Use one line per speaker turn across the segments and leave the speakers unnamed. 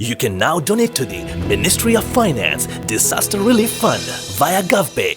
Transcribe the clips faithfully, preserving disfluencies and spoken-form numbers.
You can now donate to the Ministry of Finance Disaster Relief Fund via GovPay.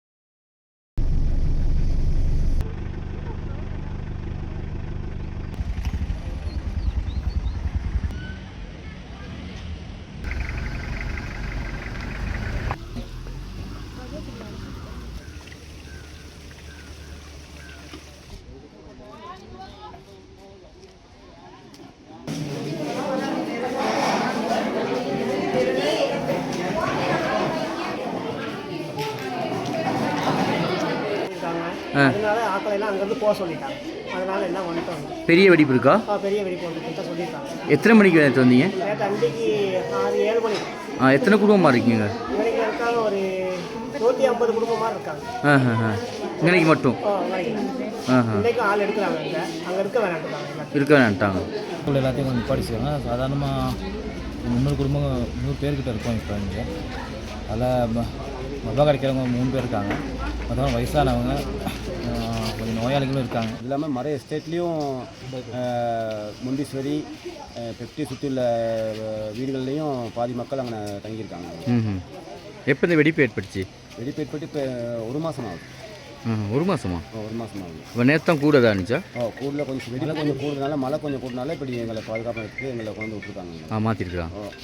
அதனால ஆட்களை எல்லாம் அங்கேருந்து போக சொல்லிட்டாங்க. அதனால எல்லாம் வந்துட்டோம்.
பெரிய வெடிப்பு இருக்கா?
பெரிய வெடிப்பு வந்துட்டு சொல்லியிருக்காங்க.
எத்தனை மணிக்கு நேற்று வந்தீங்க?
நேற்று அன்றைக்கு ஆறு ஏழு மணி.
ஆ எத்தனை குடும்பமாக இருக்கீங்க?
இன்றைக்கு இருக்காங்க ஒரு நூற்றி ஐம்பது குடும்பமாக இருக்காங்க.
ஆ ஆ இன்னைக்கு மட்டும்?
ஆ இன்றைக்கு ஆள் எடுக்கிறாங்க. அங்கே அங்கே இருக்க வேணான்ட்டாங்க. இருக்க
வேணான்ட்டாங்க.
எல்லாத்தையும் கொஞ்சம் படிச்சுக்காங்க. சாதாரணமாக முந்நூறு குடும்பம் நூறு பேர்கிட்ட இருக்கோம் இப்போ இங்கே. அதில் மொபைல் கிடைக்கிறவங்க மூணு பேர் இருக்காங்க. மற்றவங்க வயசானவங்க, கொஞ்சம் நோயாளிகளும் இருக்காங்க.
இது இல்லாமல் மறை எஸ்டேட்லேயும் முண்டீஸ்வரி பெப்டி சுற்றி உள்ள வீடுகள்லேயும் பாதி மக்கள் அங்கே தங்கியிருக்காங்க.
ம் எப்போ இந்த வெடிப்பு ஏற்பட்டுச்சு?
வெடிப்பு ஏற்பட்டு இப்போ ஒரு மாதம் ஆகுது.
ஒரு மாதமா?
ஒரு மாதம் ஆகுது.
இப்போ நேற்று தான் கூட தான் இருந்துச்சா?
ஓ கூடுதல் கொஞ்சம் வெடியில் கொஞ்சம் கூடுதனால மழை கொஞ்சம் கூடுதனால இப்படி எங்களை பாதுகாப்பாக எடுத்து எங்களை கொண்டு விட்டுருக்காங்க.
ஆ மாற்றிருக்காங்க.